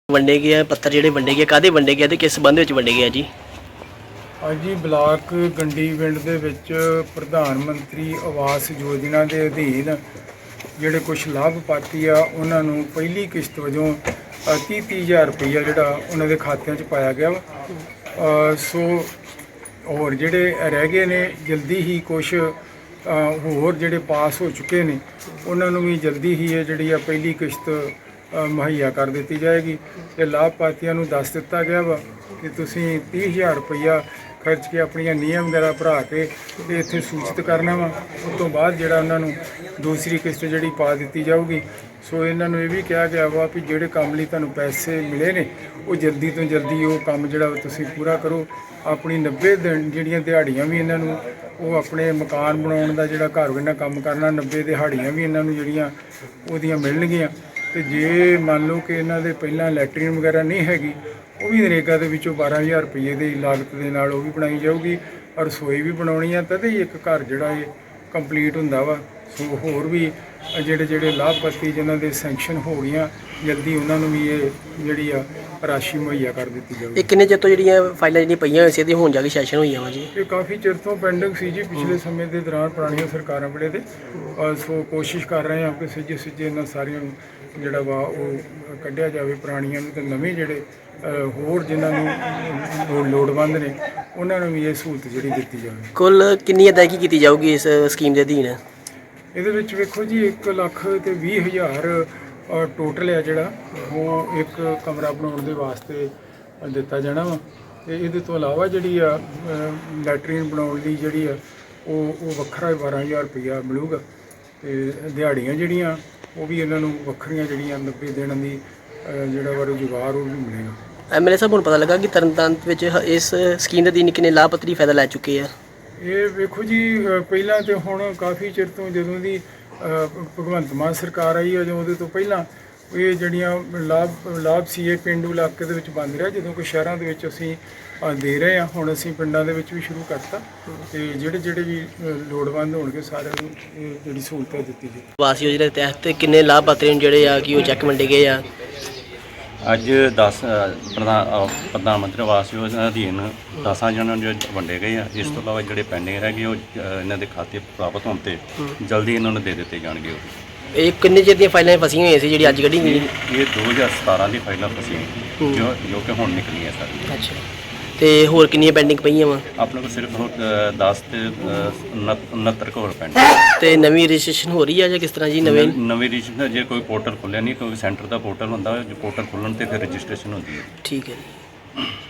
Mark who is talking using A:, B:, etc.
A: ਵੰਡੇ ਗਏ ਆ ਪੱਤਰ ਜਿਹੜੇ ਵੰਡੇ ਗਏ ਕਾਹਦੇ ਵੰਡੇ ਗਏ ਤੇ ਕਿਸ ਸੰਬੰਧ ਵਿੱਚ ਵੰਡੇ ਗਏ ਆ ਜੀ?
B: ਅੱਜ ਜੀ ਬਲਾਕ ਗੰਡੀ ਪਿੰਡ ਦੇ ਵਿੱਚ ਪ੍ਰਧਾਨ ਮੰਤਰੀ ਆਵਾਸ ਯੋਜਨਾ ਦੇ ਅਧੀਨ ਜਿਹੜੇ ਕੁਝ ਲਾਭਪਾਤਰੀ ਆ ਉਹਨਾਂ ਨੂੰ ਪਹਿਲੀ ਕਿਸ਼ਤ ਵਜੋਂ 30,000 ਰੁਪਈਆ ਜਿਹੜਾ ਉਹਨਾਂ ਦੇ ਖਾਤਿਆਂ 'ਚ ਪਾਇਆ ਗਿਆ ਵਾ। ਸੋ ਹੋਰ ਜਿਹੜੇ ਰਹਿ ਗਏ ਨੇ ਜਲਦੀ ਹੀ ਕੁਝ ਹੋਰ ਜਿਹੜੇ ਪਾਸ ਹੋ ਚੁੱਕੇ ਨੇ ਉਹਨਾਂ ਨੂੰ ਵੀ ਜਲਦੀ ਹੀ ਇਹ ਜਿਹੜੀ ਆ ਪਹਿਲੀ ਕਿਸ਼ਤ ਮੁਹੱਈਆ ਕਰ ਦਿੱਤੀ ਜਾਏਗੀ। ਤੇ ਲਾਭਪਾਤਰੀਆਂ ਨੂੰ ਦੱਸ ਦਿੱਤਾ ਗਿਆ ਵਾ ਕਿ ਤੁਸੀਂ 30,000 ਰੁਪਈਆ ਖਰਚ ਕੇ ਆਪਣੀਆਂ ਨਿਯਮ ਵਗੈਰਾ ਭਰਾ ਕੇ ਤੇ ਇੱਥੇ ਸੂਚਿਤ ਕਰਨਾ ਵਾ। ਉਸ ਤੋਂ ਬਾਅਦ ਜਿਹੜਾ ਉਹਨਾਂ ਨੂੰ ਦੂਸਰੀ ਕਿਸ਼ਤ ਜਿਹੜੀ ਪਾ ਦਿੱਤੀ ਜਾਊਗੀ। ਸੋ ਇਹਨਾਂ ਨੂੰ ਇਹ ਵੀ ਕਿਹਾ ਗਿਆ ਵਾ ਵੀ ਜਿਹੜੇ ਕੰਮ ਲਈ ਤੁਹਾਨੂੰ ਪੈਸੇ ਮਿਲੇ ਨੇ ਉਹ ਜਲਦੀ ਤੋਂ ਜਲਦੀ ਉਹ ਕੰਮ ਜਿਹੜਾ ਤੁਸੀਂ ਪੂਰਾ ਕਰੋ। ਆਪਣੀ 90 ਦਿਨ ਜਿਹੜੀਆਂ ਦਿਹਾੜੀਆਂ ਵੀ ਇਹਨਾਂ ਨੂੰ ਉਹ ਆਪਣੇ ਮਕਾਨ ਬਣਾਉਣ ਦਾ ਜਿਹੜਾ ਘਰ ਇਹਨਾਂ ਕੰਮ ਕਰਨਾ 90 ਦਿਹਾੜੀਆਂ ਵੀ ਇਹਨਾਂ ਨੂੰ ਜਿਹੜੀਆਂ ਉਹਦੀਆਂ ਮਿਲਣਗੀਆਂ। ਤੇ ਜੇ ਮੰਨ ਲਓ ਕਿ ਇਹਨਾਂ ਦੇ ਪਹਿਲਾਂ ਲੈਟਰੀਨ ਵਗੈਰਾ ਨਹੀਂ ਹੈਗੀ ਉਹ ਵੀ ਨਰੇਗਾ ਦੇ ਵਿੱਚੋਂ 12,000 ਰੁਪਏ ਦੀ ਲਾਗਤ ਦੇ ਨਾਲ ਉਹ ਵੀ ਬਣਾਈ ਜਾਊਗੀ। ਔਰ ਰਸੋਈ ਵੀ ਬਣਾਉਣੀ ਆ ਤਦੇ ਹੀ ਇੱਕ ਘਰ ਜਿਹੜਾ ਇਹ ਕੰਪਲੀਟ ਹੁੰਦਾ ਵਾ। ਸੋ ਹੋਰ ਵੀ ਜਿਹੜੇ ਲਾਭਪਾਤਰੀ ਜਿਨ੍ਹਾਂ ਦੇ ਸੈਂਕਸ਼ਨ ਹੋ ਗਈਆਂ ਜਲਦੀ ਉਹਨਾਂ ਨੂੰ ਵੀ ਇਹ ਜਿਹੜੀ ਆ ਰਾਸ਼ੀ ਮੁਹੱਈਆ ਕਰ ਦਿੱਤੀ ਜਾਊਗੀ।
A: ਇਹ ਕਿੰਨੇ ਚਿਰ ਤੋਂ ਜਿਹੜੀਆਂ ਫਾਈਲਾਂ ਜਿਹੜੀਆਂ ਪਈਆਂ ਹੋਈਆਂ ਸੀ ਇਹਦੀ ਹੁਣ ਜਾ ਕੇ ਸੈਸ਼ਨ ਹੋਈਆਂ ਵਾ ਜੀ?
B: ਇਹ ਕਾਫੀ ਚਿਰ ਤੋਂ ਪੈਂਡਿੰਗ ਸੀ ਜੀ ਪਿਛਲੇ ਸਮੇਂ ਦੇ ਦੌਰਾਨ ਪੁਰਾਣੀਆਂ ਸਰਕਾਰਾਂ ਵੇਲੇ ਦੇ। ਸੋ ਕੋਸ਼ਿਸ਼ ਕਰ ਰਹੇ ਹਾਂ ਕਿ ਸਿੱਜੇ ਇਹਨਾਂ ਸਾਰੀਆਂ ਨੂੰ ਜਿਹੜਾ ਵਾ ਉਹ ਕੱਢਿਆ ਜਾਵੇ ਪੁਰਾਣੀਆਂ ਨੂੰ ਤੇ ਨਵੇਂ ਜਿਹੜੇ ਹੋਰ ਜਿਨ੍ਹਾਂ ਨੂੰ ਲੋੜਵੰਦ ਨੇ ਉਹਨਾਂ ਨੂੰ ਵੀ ਇਹ ਸਹੂਲਤ ਜਿਹੜੀ ਦਿੱਤੀ ਜਾਵੇ।
A: ਕੁੱਲ ਕਿੰਨੀ ਅਦਾਇਗੀ ਕੀਤੀ ਜਾਊਗੀ ਇਸ ਸਕੀਮ ਦੇ ਅਧੀਨ? ਇਹਦੇ
B: ਵਿੱਚ ਵੇਖੋ ਜੀ 1,20,000 ਟੋਟਲ ਆ ਜਿਹੜਾ ਉਹ ਇੱਕ ਕਮਰਾ ਬਣਾਉਣ ਦੇ ਵਾਸਤੇ ਦਿੱਤਾ ਜਾਣਾ ਵਾ। ਤੇ ਇਹਦੇ ਤੋਂ ਇਲਾਵਾ ਜਿਹੜੀ ਆ ਲੈਟਰੀਨ ਬਣਾਉਣ ਲਈ ਜਿਹੜੀ ਆ ਉਹ ਵੱਖਰਾ 12,000 ਰੁਪਈਆ ਮਿਲੂਗਾ। ਤੇ ਦਿਹਾੜੀਆਂ ਜਿਹੜੀਆਂ ਉਹ ਵੀ ਇਹਨਾਂ ਨੂੰ ਵੱਖਰੀਆਂ ਜਿਹੜੀਆਂ 90 ਦਿਨਾਂ ਦੀ ਜਿਹੜਾ ਵਾ ਰੁਜ਼ਗਾਰ ਉਹ ਵੀ ਮਿਲੇਗਾ।
A: ਐਮਐਲਏ ਸਾਹਿਬ ਨੂੰ ਪਤਾ ਲੱਗਾ ਕਿ ਤਰਨਤਾਰਨ ਵਿੱਚ ਇਸ ਸਕੀਮ ਦੇ ਅਧੀਨ ਕਿੰਨੇ ਲਾਭਪਾਤਰੀ ਫਾਇਦਾ ਲੈ ਚੁੱਕੇ ਆ? ਇਹ
B: ਵੇਖੋ ਜੀ ਪਹਿਲਾਂ ਤੇ ਹੁਣ ਕਾਫੀ ਚਿਰ ਤੋਂ ਜਦੋਂ ਦੀ ਭਗਵੰਤ ਮਾਨ ਸਰਕਾਰ ਆਈ ਹੈ ਉਹਦੇ ਤੋਂ ਪਹਿਲਾਂ ਇਹ ਜਿਹੜੀਆਂ ਲਾਭ ਸੀ ਇਹ ਪੇਂਡੂ ਇਲਾਕੇ ਦੇ ਵਿੱਚ ਬੰਦ ਰਿਹਾ। ਜਦੋਂ ਕਿ ਸ਼ਹਿਰਾਂ ਦੇ ਵਿੱਚ ਅਸੀਂ ਦੇ ਰਹੇ ਹਾਂ ਹੁਣ ਅਸੀਂ ਪਿੰਡਾਂ ਦੇ ਵਿੱਚ ਵੀ ਸ਼ੁਰੂ ਕਰਤਾ। ਤੇ ਜਿਹੜੇ ਵੀ ਲੋੜਵੰਦ ਹੋਣਗੇ ਸਾਰਿਆਂ ਨੂੰ ਇਹ ਜਿਹੜੀ ਸਹੂਲਤ ਦਿੱਤੀ ਜਾਵੇ।
A: ਆਵਾਸ ਯੋਜਨਾ ਦੇ ਤਹਿਤ ਕਿੰਨੇ ਲਾਭਪਾਤਰੀ ਨੂੰ ਜਿਹੜੇ ਆ ਕਿ ਉਹ ਚੈੱਕ ਵੰਡੇ ਗਏ ਆ?
C: ਅੱਜ 10 ਪ੍ਰਧਾਨ ਮੰਤਰੀ ਆਵਾਸ ਯੋਜਨਾ ਅਧੀਨ 10 ਜਣਾਂ ਨੂੰ ਵੰਡੇ ਗਏ ਆ। ਇਸ ਤੋਂ ਇਲਾਵਾ ਜਿਹੜੇ ਪੈਂਡਿੰਗ ਰਹਿ ਗਏ ਉਹ ਇਹਨਾਂ ਦੇ ਖਾਤੇ ਪ੍ਰਾਪਤ ਹੋਣ ਤੇ ਜਲਦੀ ਇਹਨਾਂ ਨੂੰ ਦੇ ਦਿੱਤੇ ਜਾਣਗੇ।
A: ਇਹ ਕਿੰਨੇ ਚਿਰ ਦੀਆਂ ਫਾਈਲਾਂ ਫਸੀਆਂ ਹੋਈਆਂ ਸੀ ਜਿਹੜੀ ਅੱਜ ਕੱਢੀ ਗਈ?
C: ਇਹ 2017 ਦੀ ਫਾਈਲਾਂ ਫਸੀ ਜੋ ਕਿ ਹੁਣ ਨਿਕਲੀਆਂ ਸਾਰੀਆਂ।
A: ਅੱਛਾ, ਤੇ ਹੋਰ ਕਿੰਨੀਆਂ ਪੈਂਡਿੰਗ ਪਈਆਂ ਵਾ?
C: ਆਪਣੇ ਕੋਲ ਸਿਰਫ 10 ਤੇ 69 ਹੋਰ ਪੈਂਡਿੰਗ।
A: ਤੇ ਨਵੀਂ ਰਜਿਸਟ੍ਰੇਸ਼ਨ ਹੋ ਰਹੀ ਆ ਜਾਂ ਕਿਸ ਤਰ੍ਹਾਂ ਜੀ? ਨਵੀਂ
C: ਰਜਿਸਟ੍ਰੇਸ਼ਨ ਜੇ ਕੋਈ ਪੋਰਟਲ ਖੁੱਲਿਆ ਨਹੀਂ, ਕਿਉਂਕਿ ਸੈਂਟਰ ਦਾ ਪੋਰਟਲ ਹੁੰਦਾ, ਜੋ ਪੋਰਟਲ ਖੁੱਲ੍ਹਣ ਤੇ ਫਿਰ ਰਜਿਸਟ੍ਰੇਸ਼ਨ ਹੁੰਦੀ ਹੈ।
A: ਠੀਕ ਹੈ ਜੀ।